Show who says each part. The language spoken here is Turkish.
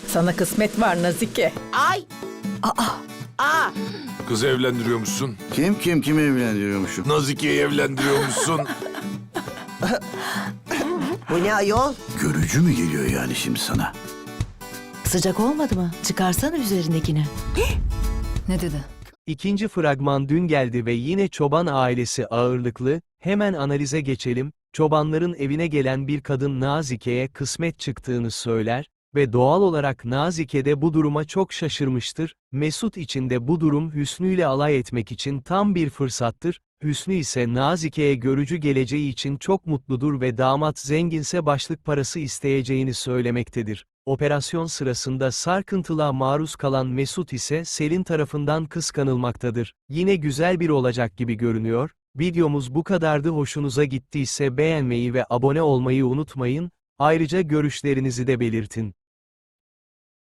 Speaker 1: Sana kısmet var Nazike.
Speaker 2: Ay. Aa.
Speaker 3: Kız evlendiriyormuşsun.
Speaker 4: Kim evlendiriyormuşum?
Speaker 3: Nazike'yi evlendiriyormuşsun.
Speaker 2: Bu ne ayol?
Speaker 4: Görücü mü geliyor yani şimdi sana?
Speaker 5: Sıcak olmadı mı? Çıkarsana üzerindekini.
Speaker 6: Ne dedi?
Speaker 7: İkinci fragman dün geldi ve yine çoban ailesi ağırlıklı, hemen analize geçelim. Çobanların evine gelen bir kadın Nazike'ye kısmet çıktığını söyler ve doğal olarak Nazike de bu duruma çok şaşırmıştır. Mesut için de bu durum Hüsnü ile alay etmek için tam bir fırsattır. Hüsnü ise Nazike'ye görücü geleceği için çok mutludur ve damat zenginse başlık parası isteyeceğini söylemektedir. Operasyon sırasında sarkıntılığa maruz kalan Mesut ise Selin tarafından kıskanılmaktadır. Yine güzel bir olacak gibi görünüyor. Videomuz bu kadardı. Hoşunuza gittiyse beğenmeyi ve abone olmayı unutmayın. Ayrıca görüşlerinizi de belirtin.